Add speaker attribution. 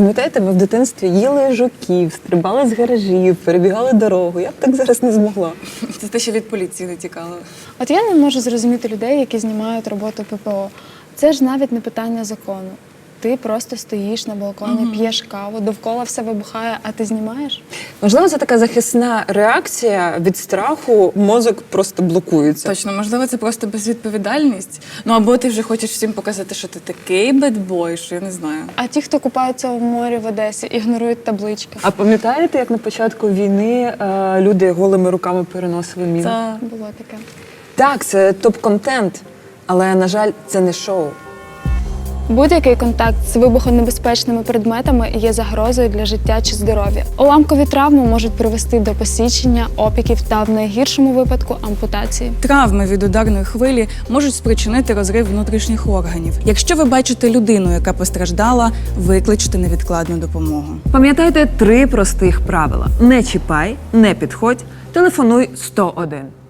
Speaker 1: Пам'ятаєте, ми в дитинстві їли жуків, стрибали з гаражів, перебігали дорогу. Я б так зараз не змогла.
Speaker 2: Це те, що від поліції не тікало.
Speaker 3: От я не можу зрозуміти людей, які знімають роботу ППО. Це ж навіть не питання закону. Ти просто стоїш на балконі, п'єш каву, довкола все вибухає, а ти знімаєш?
Speaker 1: Можливо, це така захисна реакція від страху, мозок просто блокується.
Speaker 2: Точно, можливо, це просто безвідповідальність. Ну або ти вже хочеш всім показати, що ти такий бедбой, що я не знаю.
Speaker 3: А ті, хто купаються в морі в Одесі, ігнорують таблички.
Speaker 1: А пам'ятаєте, як на початку війни люди голими руками переносили міни?
Speaker 2: Це
Speaker 3: Було таке.
Speaker 1: Так, це топ-контент, але, на жаль, це не шоу.
Speaker 3: Будь-який контакт з вибухонебезпечними предметами є загрозою для життя чи здоров'я. Уламкові травми можуть привести до посічення, опіків та в найгіршому випадку ампутації.
Speaker 2: травми від ударної хвилі можуть спричинити розрив внутрішніх органів. Якщо ви бачите людину, яка постраждала, викличте невідкладну допомогу.
Speaker 1: Пам'ятайте 3 простих правила. Не чіпай, не підходь, телефонуй 101.